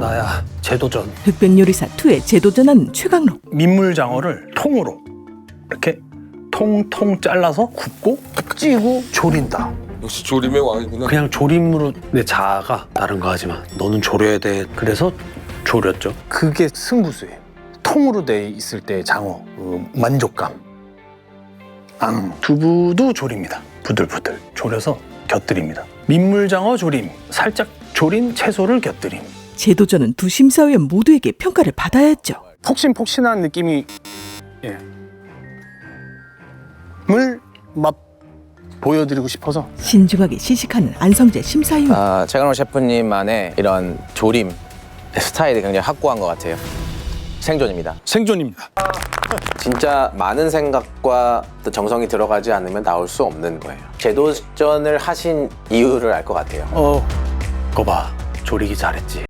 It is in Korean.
나야 재도전. 흑백요리사 2에 재도전한 최강록. 민물장어를 통으로 이렇게 통통 잘라서 굽고 찌고 조린다. 역시 조림의 왕이구나. 그냥 조림으로 내 자아가 다른 거 하지만 너는 조려야 돼. 그래서 조렸죠. 그게 승부수예요. 통으로 돼 있을 때 장어 그 만족감. 두부도 조립니다. 부들부들 조려서 곁들입니다. 민물장어 조림, 살짝 조린 채소를 곁들임. 재도전은 두 심사위원 모두에게 평가를 받아야 했죠. 폭신폭신한 느낌이 물 맛 보여드리고 싶어서 신중하게 시식하는 안성재 심사위원. 최강록 셰프님만의 이런 조림 스타일이 굉장히 확고한 것 같아요. 생존입니다. 생존입니다. 진짜 많은 생각과 또 정성이 들어가지 않으면 나올 수 없는 거예요. 재도전을 하신 이유를 알 것 같아요. 거봐 조리기 잘했지.